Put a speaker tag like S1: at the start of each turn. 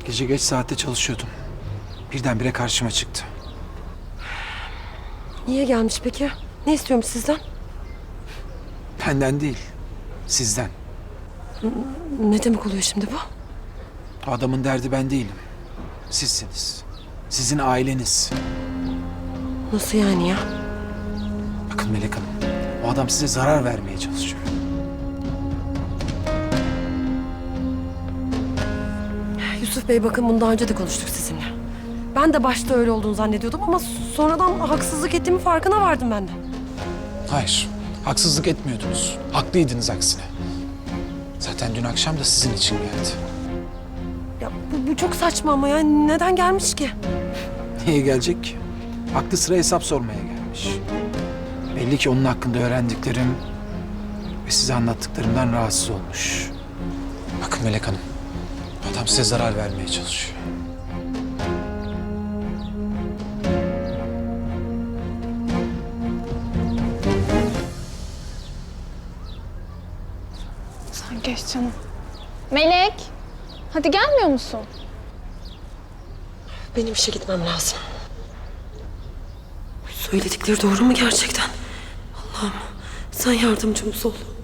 S1: Gece geç saatte çalışıyordum. Birdenbire karşıma çıktı.
S2: Niye gelmiş peki? Ne istiyormuş sizden?
S1: Benden değil, sizden.
S2: Ne demek oluyor şimdi bu?
S1: O adamın derdi ben değilim. Sizsiniz. Sizin aileniz.
S2: Nasıl yani ya?
S1: Bakın Melek Hanım, o adam size zarar vermeye çalışıyor.
S2: Yusuf Bey bakın bunu daha önce de konuştuk sizinle. Ben de başta öyle olduğunu zannediyordum ama sonradan haksızlık ettiğimin farkına vardım ben de.
S1: Hayır, haksızlık etmiyordunuz. Haklıydınız aksine. Zaten dün akşam da sizin için geldi.
S2: Ya bu çok saçma ama ya neden gelmiş ki?
S1: Niye gelecek ki? Aklı sıra hesap sormaya gelmiş. Belli ki onun hakkında öğrendiklerim ve size anlattıklarımdan rahatsız olmuş. Bakın Melek Hanım, adam size zarar vermeye çalışıyor.
S3: Sen geç canım. Melek, hadi gelmiyor musun?
S2: Benim işe gitmem lazım. Söyledikleri doğru mu gerçekten? Allah'ım sen yardımcımız ol.